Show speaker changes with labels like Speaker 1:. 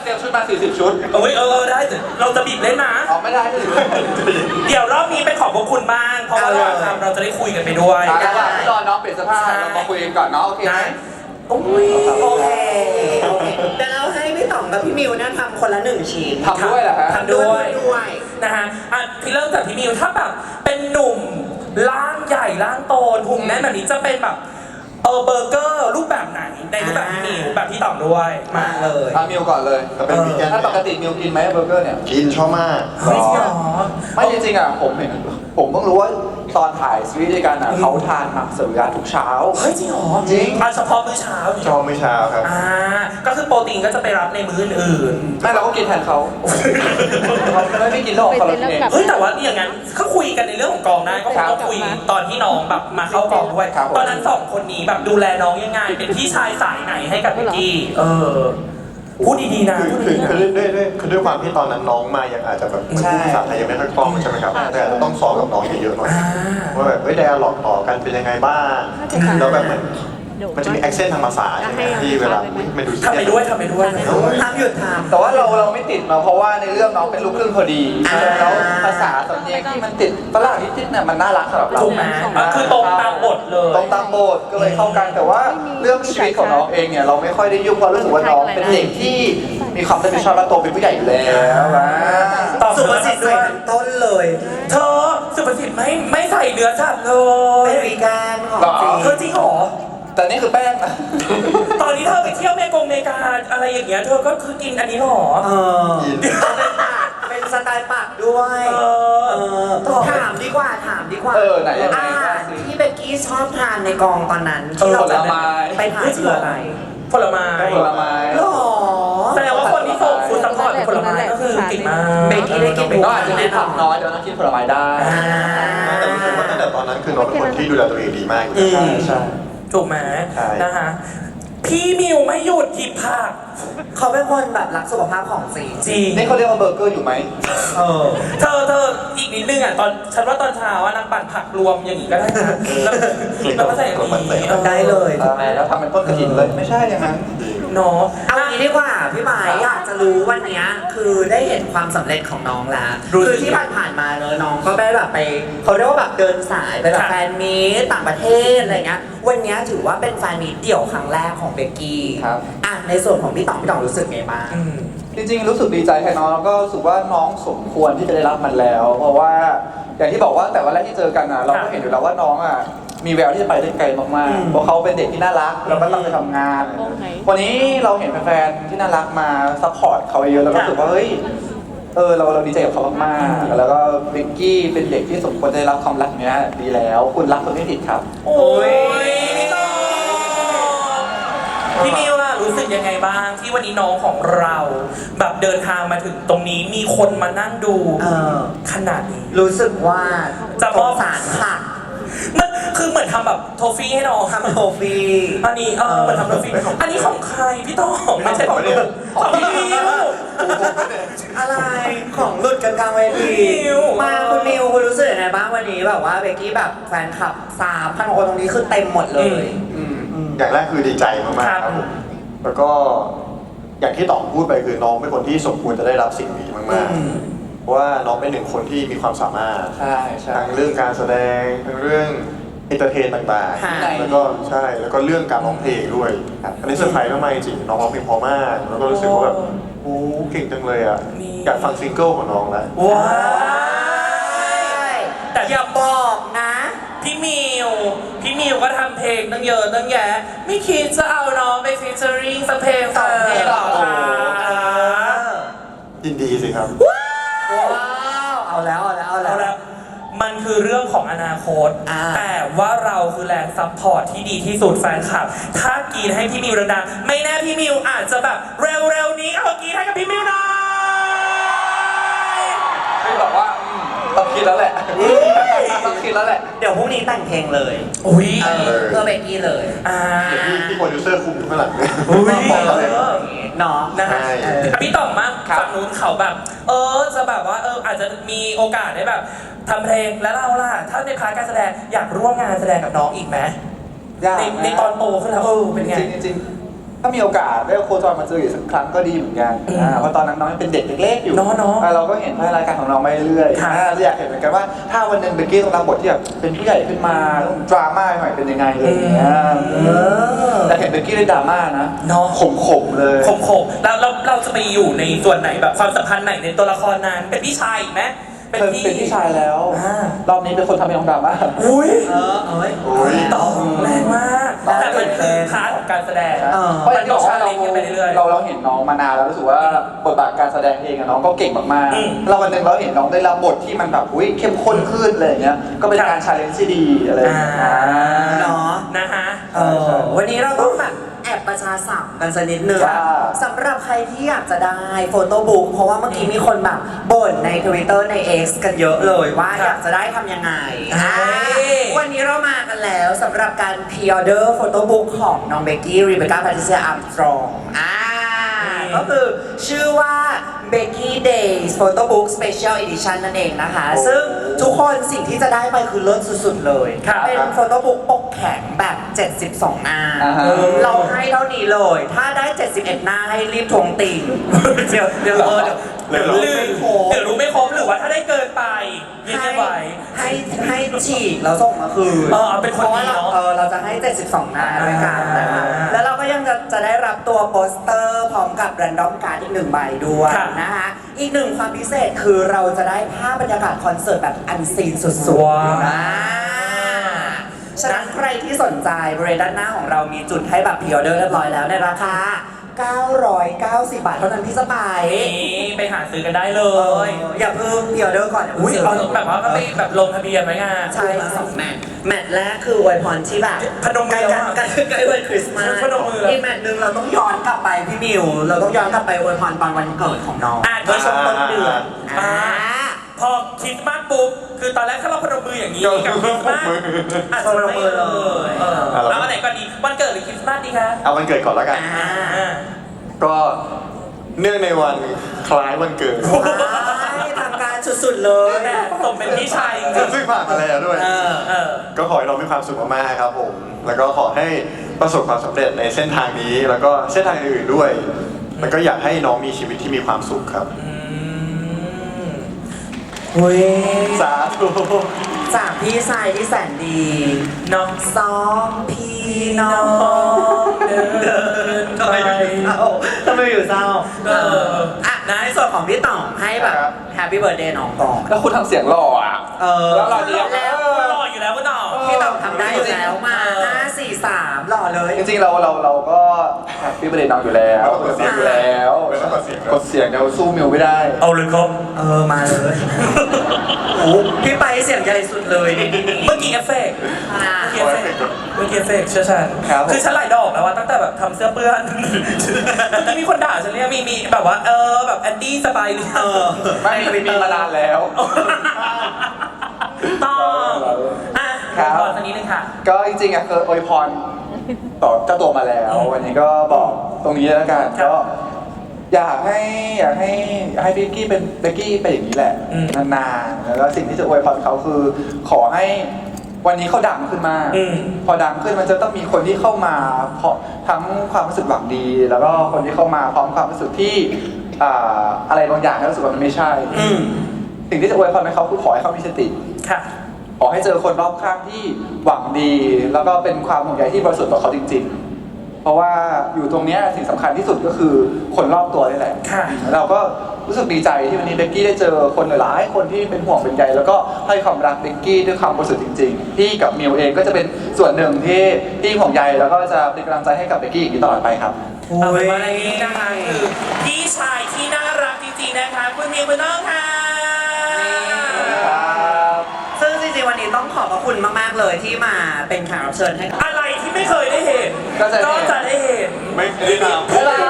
Speaker 1: เตรียมชุดมา40ชุด
Speaker 2: ได้เราจะบีบเล่นนะ
Speaker 1: ไม่ได้
Speaker 2: เดี๋ยวรอบนี้เป็นของพวกคุณบ้างเพราะว่าเราจะได้คุยกันไปด้วย
Speaker 1: รอน้องเปลี่ยนเสื้อผ้าเรามาคุยกันก่อนเนาะโอเคไหม
Speaker 3: โอเคเดี๋ยวเราให้พี่ต่องกับพี่มิวเนี่ยทำคนละ1ชิ้น
Speaker 1: ทำด้วยเหรอฮะ
Speaker 3: ทำด้วย
Speaker 2: นะฮะพี่เริ่มจากพี่มิวถ้าแบบเป็นหนุ่มร่างใหญ่ร่างโตหุ่นแน่นแบบนี้จะเป็นแบบเบอร์เกอร์รูปแบบไหนในรูปแบบพี่มิวแบบพี่ต่องด้วย
Speaker 3: มาเลย
Speaker 1: มิวก่อนเลย
Speaker 4: เป็นวีแกน
Speaker 1: ถ้าปกติมิวกินไหมเบอร์เกอร์เนี่ย
Speaker 4: กินชอบมาก
Speaker 1: ไม่จริงๆผมเห็นผมเพิ่งรู้ว่าตอนถ่ายซีรีส์ด้วยกันเขาทานมักเสวิรัติทุกเช้า
Speaker 2: เฮ้ยจริงเหรอ
Speaker 1: จริง
Speaker 2: เฉพาะมื้อเช้า
Speaker 4: ชอบมื้อเช้าครับ
Speaker 2: ก็คือโปรตีนก็จะไปรับในมื้ออื่น
Speaker 1: ไม่เราก็กินแทนเขาไม่กินหรอกเขาเอง
Speaker 2: เฮ้ยแต่ว่าอย่างนั้นเขาคุยกันในเรื่องของกองได้ก็คงต้องคุยตอนที่น้องแบบมาเข้ากองด้วยตอนนั้น2คนนี้แบบดูแลน้องยังไงเป็นพี่ชายสายไหนให้กับพี่กี้พูดดีๆนะ
Speaker 4: คือด้วยความที่ตอนนั้นน้องมายังอาจจะแบบพูดภาษาไทยยังไม่ค่อยคล่องใช่ไหมครับแต่อาจจะต้องซ้อมกับน้องเยอะๆหน่อยว่าแบบไดอะล็อกต่อกันเป็นยังไงบ้างแล้วแบบมันจะมีแอคเซนต์ทางภาษาที่เวลามันดู
Speaker 2: ทำไปด้วย
Speaker 3: ทำหยุดทำ
Speaker 1: แต่ว่าเราไม่ติดมาเพราะว่าในเรื่องน้องเป็นลูกครึ่งพอดีแล้วภาษาสำเนียงที่มันติดฝรั่งนิดๆเนี่ยมันน่ารักสำหรับเรา
Speaker 2: ถูกไหมคือตรงตามบทเลย
Speaker 1: ตรงตามบทก็เลยเข้ากันแต่ว่าเรื่องชีวิตของน้องเองเนี่ยเราไม่ค่อยได้ยุ่งเพราะรู้สึกว่าน้องเป็นเด็กที่มีความรับผิดชอบและโตเป็นผู้ใหญ่อยู่แล้ว
Speaker 3: สุภาษิตด้วยต้นเลย
Speaker 2: เธอสุภาษิตไม่ใส่เนื้อสัตว์เล
Speaker 3: ยเป็นวีแกนของ
Speaker 2: จริงเหรอ
Speaker 1: แต่นี่คือแป้ง
Speaker 2: ตอนนี้เธอไปเที่ยวเมกาอะไรอย่างเงี้ยเธอก็คือกินอันนี้หรอ
Speaker 3: เป็นสไตล์ปากด้วยถามดีกว่า
Speaker 1: ไหน
Speaker 3: ที่เบกกี้ชอบทานในกองตอนนั้นที่เราจะไปถ่ายคืออะไร
Speaker 2: ผลไม้
Speaker 3: หรอ
Speaker 2: แสดงว่าคนที่ส่งฟู้ดซัพพอร์ตผลไม้ก็คือเก่งมาก
Speaker 3: เบกกี้ได้กิน
Speaker 1: ก็อาจจะกินผักน้อยเดี๋ยวน้องกินผลไม้ได้
Speaker 4: แต่รู้สึกว่าตั้งแต่ตอนนั้นคือน้องเป็นคนที่ดูแลตัวเองดีมาก
Speaker 1: ใช่
Speaker 2: ถูกไหมนะคะพี่มิวไม่หยุดหยิบผัก
Speaker 3: เขาเป็นคนแบบรักสุขภาพของจริง
Speaker 1: นี่เขาเรียกว่าเบอร์เกอร์อยู่ไหม
Speaker 2: เธออีกนิดนึงตอนฉันว่าตอนเช้านางปั่นผักรวมอย่างนี้ก็ได้นะแล้วก็ใส่อย่างนี้
Speaker 3: ได้เลย
Speaker 1: แล้วทำเป็นต้นกระถิ่นเลยไม่ใช่อย่างนั้น
Speaker 3: เนาะเอางี้ดีกว่าพี่หมายอยากจะรู้วันนี้คือได้เห็นความสำเร็จของน้องแล้วคือที่ผ่านมาเนอะน้องก็ได้แบบไปเขาเรียกว่าแบบเดินสายไปแบบแฟนมีตต่างประเทศอะไรเงี้ยวันนี้ถือว่าเป็นแฟนมีตเดี่ยวครั้งแรกของเบกกี้
Speaker 1: ครับ
Speaker 3: ในส่วนของพี่ต่องรู้สึกไงบ้าง
Speaker 1: จริงๆรู้สึกดีใจแทนน้องแล้วก็รู้สึกว่าน้องสมควรที่จะได้รับมันแล้วเพราะว่าอย่างที่บอกว่าแต่วันแรกที่เจอกันเราก็เห็นอยู่แล้วว่าน้องมีแววที่จะไปได้ไกลมากๆเพราะเขาเป็นเด็กที่น่ารักแล้วก็ต้องไปทำงานวันนี้เราเห็นแฟนๆที่น่ารักมาซัพพอร์ตเขาเยอะแล้วก็รู้สึกว่าเฮ้ยเราดีใจกับเขามากๆแล้วก็เบกกี้เป็นเด็กที่สมควรได้รับความรักเนี้ยดีแล้วคุณรักคนไม่ผิดครับ
Speaker 2: โอ้ยพี่มิวล่ะรู้สึกยังไงบ้างที่วันนี้น้องของเราแบบเดินทางมาถึงตรงนี้มีคนมานั่งดูขนาดนี้
Speaker 3: รู้สึกว่า
Speaker 2: จะมอบ
Speaker 3: สารค่ะ
Speaker 2: มันคือเหมือนทำแบบโทฟี่ให้น้อง
Speaker 3: ทำโทฟี่
Speaker 2: อันนี้เหมือนทำโทฟี่อันนี้ของใครพี่ต้องไม่ใช่ของลูกของพี่มิว
Speaker 3: อะไรของหลุดกันกลางเวทีมาคุณมิวคุณรู้สึกยังไงบ้างวันนี้แบบว่าเบกกี้แบบแฟนคลับ3,000 คนตรงนี้คือเต็มหมดเลย
Speaker 4: อย่างแรกคือดีใจมากๆครับแล้วก็อย่างที่ต่อพูดไปคือน้องเป็นคนที่สมควรจะได้รับสิ่งนี้มากๆเพราะว่าน้องเป็นหนึ่งคนที่มีความสามารถทั้งเรื่องการแสดงทั้งเรื่องเอนเตอร์เทนต่างๆแล้วก็ใช่แล้วก็เรื่องการร้องเพลงด้วยอันนี้เซอร์ไพรส์มากๆจริงน้องร้องเพลงเพราะมากแล้วก็รู้สึกว่าแบบโอ้เก่งจังเลยอยากฟังซิงเกิลของน้องแล้ว
Speaker 3: ว้าวแต่อย่าบอกนะ
Speaker 2: พี่มิวก็ทำเพลงตั้งเยอะตั้งแยะไม่คิดจะเอาน้องไปฟีเจอริ่งสักเพลง2 เพลงหรอคะ
Speaker 4: ยินดีสิครับ
Speaker 3: ว้าวเอาแล้ว
Speaker 2: มันคือเรื่องของอนาคตแต่ว่าเราคือแรงซัพพอร์ตที่ดีที่สุดแฟนคลับถ้ากรีดให้พี่มิวดังๆไม่แน่พี่มิวอาจจะแบบเร็วๆนี้เอากรีดให้กับพี่มิวหน่อย
Speaker 1: ไม่บอกว่าต้องคิดแล้วแหละ
Speaker 3: เดี๋ยวพรุ่งนี้แต่งเพลงเลยเพื่อเบกกี้เลย
Speaker 4: ที่โปรดิวเซอร์คุมอยู่ข้างหลังเนี่ย
Speaker 3: น้อง
Speaker 2: นะฮะพี่ต่อมมากฝั่งนู้นเขาแบบจะแบบว่าอาจจะมีโอกาสได้แบบทำเพลงแล้วเราล่ะถ้าในพาร์ทการแสดงอยากร่วมงานแสดงกับน้องอีกไหมในตอนโตขึ้นแล้วเป็นไง
Speaker 1: จริงถ้ามีโอกาสได้โคจรมาเจออีกสักครั้งก็ดีเหมือนกันเพราะตอนนั้นน้องยังเป็นเด็กเล็กๆอยู่
Speaker 2: เนาะ
Speaker 1: เราก็เห็นพัฒนาการของน้องไปเรื่อยๆ
Speaker 2: ค่ะ
Speaker 1: เราอยากเห็นเหมือนกันว่าถ้าวันหนึ่งเบกกี้ต้องรับบทที่แบบเป็นผู้ใหญ่ขึ้นมาต้องดราม่าหน่อยเป็นยังไงเลยอย่างเงี้ยแต่เห็นเบกกี้ได้ดราม่านะ
Speaker 2: เนาะ
Speaker 1: ขมๆเลย
Speaker 2: ขมๆแล้วเราจะไปอยู่ในส่วนไหนแบบความสัมพันธ์ไหนในตัวละครนั้นเป็นพี่ชายอีกไหม
Speaker 1: เคยเป็นพี่ชายแล้ว
Speaker 2: อ่าร
Speaker 1: อบนี้เป็นคนทำให้น้องดราม่า
Speaker 2: อุ้ย
Speaker 3: เอ้ย
Speaker 4: โอ้ย
Speaker 2: ต่อแรงมากแต่มันคือพาร์ทของการแสดง
Speaker 1: เพราะอย่างที่บอกว่าเรา
Speaker 2: มันต้อง challenge กันไปเรื่อยๆ
Speaker 1: เราเห็นน้องมานานแล้วรู้สึกว่าบทบาทการแสดงเองอะน้องก็เก่งมาก
Speaker 2: อืม
Speaker 1: ๆเราวันหนึ่งเราเห็นน้องได้รับบทที่มันแบบอุ้ยเข้มข้นขึ้นอะไรอย่างเงี้ยก็เป็นการชาเลนจ์ที่ดีอะไรอย่างเงี้ย
Speaker 3: เนาะ
Speaker 2: นะฮะ
Speaker 3: วันนี้เราต้องแบบแอบประชาสัมพันธ์กันสักนิดนึง
Speaker 1: ค่ะ
Speaker 3: สำหรับใครที่อยากจะได้โฟโต้บุ๊กเพราะว่าเมื่อกี้มีคนแบบบ่นใน Twitter ใน X กันเยอะเลยว่า
Speaker 2: ครับ
Speaker 3: อยากจะได้ทำยังไง
Speaker 2: เฮ้ย
Speaker 3: วันนี้เรามากันแล้วสำหรับการพ r ออเดอร์โฟโต้บุ๊กของน้องเบกกี้รีเบคก้าแพทริเซียอาร์มสตรองก็คือชื่อว่า Becky Days Photo Book Special Edition นั่นเองนะคะ ซึ่งทุกคนสิ่งที่จะได้ไปคือเลิศสุดๆเลย
Speaker 2: ครับ
Speaker 3: เป็นโฟโต้บุ๊กปกแข็งแบบ 72 หน้า
Speaker 1: อ่าฮะ
Speaker 3: เราให้เท่านี้เลย ถ้าได้ 71 หน้าให้รีบทวงติ่ง
Speaker 2: เดี๋ยวเดี๋ยวลืม
Speaker 3: ไม่ครบ
Speaker 2: เดี๋ยวรู้ไม่ครบหรือว่าถ้าได้เกินไปยังไงไหว
Speaker 3: ให้ฉีกแล้วส่งมาคืน
Speaker 2: เอาเป็นคนดีเนอะ
Speaker 3: พราะว่าเราจะให้ 72 หน้าด้วยกันนะคะแล้วเราก็ยังจะได้รับตัวโปสเตอร์พร้อมกับแรนดอมการ์ดอีก1 ใบด้วย
Speaker 2: ค่ะ
Speaker 3: นะคะ อีกหนึ่งความพิเศษคือเราจะได้ภาพบรรยากาศคอนเสิร์ตแบบอันซีนสุด
Speaker 2: ว้าว
Speaker 3: ๆฉะนั้นใครที่สนใจบริเวณด้านหน้าของเรามีจุดให้แบบพรีออเดอร์เรียบร้อยแล้วในราคา 990 บาทเท่านั้นพี่สบาย
Speaker 2: นี่ไปหาซื้อกันได้เล
Speaker 3: เอย อย่าเพิ่งพรีออเดอร์ก่อน
Speaker 2: อุ้ยเอาแบบว่าก็ไปแบบลงทะเบียนไว้ไง
Speaker 3: ใช่สองแมตช์แมตช์แรกคืออวยพรที่แบบ
Speaker 2: พนมมือ
Speaker 3: ใกล้กันใกล้วันคริสต์มาส
Speaker 2: พนมมือแล้ว
Speaker 3: อีกแมตช์หนึ่งเราต้องย้อนกลับไปพี่มิว เราต้องย้อนกลับไปอวยพรตอนวันเกิดของน้อง
Speaker 2: โดยช่วงต้นเดือน
Speaker 3: อ่า
Speaker 2: พอคริสต์มาสปุ๊บคือตอนแรกถ้าเราพนมมืออย่างนี้กับคริสต์มาสอาจจะไม่เลยแล้วอันไหนก่อนดีวันเกิดหรือคริสต์มาสดีคะ
Speaker 4: เอาวันเกิดก่อนแล้วกัน ก็เนื่องในวันคล้ายวันเกิด
Speaker 3: ทำการสุดๆเลย
Speaker 2: แม่สมเป็นพี่ชายจริง
Speaker 4: ซึ่งผ่านมาแล้วด้วย ก็ขอให้เรามีความสุขมากๆครับผม แล้วก็ขอให้ประสบความสำเร็จในเส้นทางนี้ แล้วก็เส้นทางอื่นๆด้วย แล้วก็อยากให้น้องมีชีวิตที่มีความสุขครับ
Speaker 3: เว้ย
Speaker 4: สาธุ
Speaker 3: จากพี่ชายที่แสนดี
Speaker 2: น้อง
Speaker 3: สองพี่น้อง
Speaker 2: เดิน
Speaker 3: ทำไมอยู่เศร้าทำไมอยู่เศร้า อ่ะในส่วนของพี่ต่องให้แบบแฮปปี้เบิร์ดเดย์น้องก่อน
Speaker 1: แล้วคุณทำเสียงหล่ออ่ะ แล้วหล่อดีอะ
Speaker 3: แล้ว
Speaker 2: หล่ออยู่แล้วคุณต่อ
Speaker 3: พี่ต่องทำได้อยู่แล้วมา 5 4 3หล่อเลย
Speaker 1: จริงๆเราก็แฮปปี้เบอร์เดย์น้องอยู่แล้วกดเสียงอยู่แล้ว
Speaker 4: ไม่ต้องกดเสียง
Speaker 1: กดเสียงเดี๋ยวสู้มิวไม่ได้
Speaker 2: เอาเลยครับ
Speaker 3: มาเลยโอ้พี่ไปเสียงใหญ่สุดเลยในที่นี้
Speaker 2: เมื่อกี้เอฟเฟกต์
Speaker 3: อ่า
Speaker 2: เมื่อกี้เอฟเฟกต์เชื่อฉัน
Speaker 1: ครับ
Speaker 2: คือฉันหลายดอกแล้วว่าตั้งแต่แบบทำเสื้อเปื้อนเมื่อกี้มีคนด่าฉันเนี่ยมีแบบว่าแบบแอนดี้สบายดี
Speaker 1: ไม่มีมานานแล้ว
Speaker 2: ต้องอ่ะ
Speaker 1: ครับ
Speaker 2: ขอสักนิดนึงค่ะ
Speaker 1: ก็จริงๆอ่ะเคยอวยพรต่อเจ้าตัวมาแล้ว วันนี้ก็บอกตรงนี้แล้วกัน
Speaker 2: ครับ
Speaker 1: ก็อยากให้เบกกี้เป็นเบกกี้เป็นอย่างนี้แหละ
Speaker 2: อืม
Speaker 1: นานๆแล้วก็สิ่งที่จะอวยพรเขาคือ ขอให้วันนี้เขาดังขึ้นมาก
Speaker 2: อืม
Speaker 1: พอดังขึ้นมันจะต้องมีคนที่เข้ามาเพราะทั้งความรู้สึกหวังดี แล้วก็คนที่เข้ามาพร้อมความรู้สึกที่อะไรบางอย่างที่รู้สึกว่ามันไม่ใช่ สิ่งที่จะอวยพรให้เขาคือขอให้เขามีสติ
Speaker 2: ค่ะ
Speaker 1: ขอให้เจอคนรอบข้างที่หวังดี แล้วก็เป็นความห่วงใยที่บริสุทธิ์ต่อเขาจริงๆ เพราะว่าอยู่ตรงเนี้ยสิ่งสำคัญที่สุดก็คือคนรอบตัวนี่แหละ
Speaker 2: ค่ะ
Speaker 1: เราก็รู้สึกดีใจที่วันนี้เบกกี้ได้เจอคนหลายๆคนที่เป็นห่วงเป็นใยแล้วก็ให้ความรักเบกกี้ด้วยความบริสุทธิ์จริงๆพี่กับมิวเองก็จะเป็นส่วนหนึ่งที่ห่วงใยแล้วก็จะเป็นกำลังใจให้กับเบกกี้อย่างนี้ตลอดไปครับ
Speaker 2: เอาเป็นว่าในนี้นะคะคือพี่ชายที่น่ารักจริงๆนะคะคุณมิวคุณน้องค่ะ
Speaker 3: ซึ่งจริงๆวันนี้ต้องขอบพระคุณมากๆเลยที่มาเป็นแขกรับเชิญให้กับ
Speaker 2: อะไรที่ไม่เคยได้เห็น
Speaker 1: ก็จะเห็น
Speaker 2: ได้เห็น
Speaker 4: ไม่ได้ทำ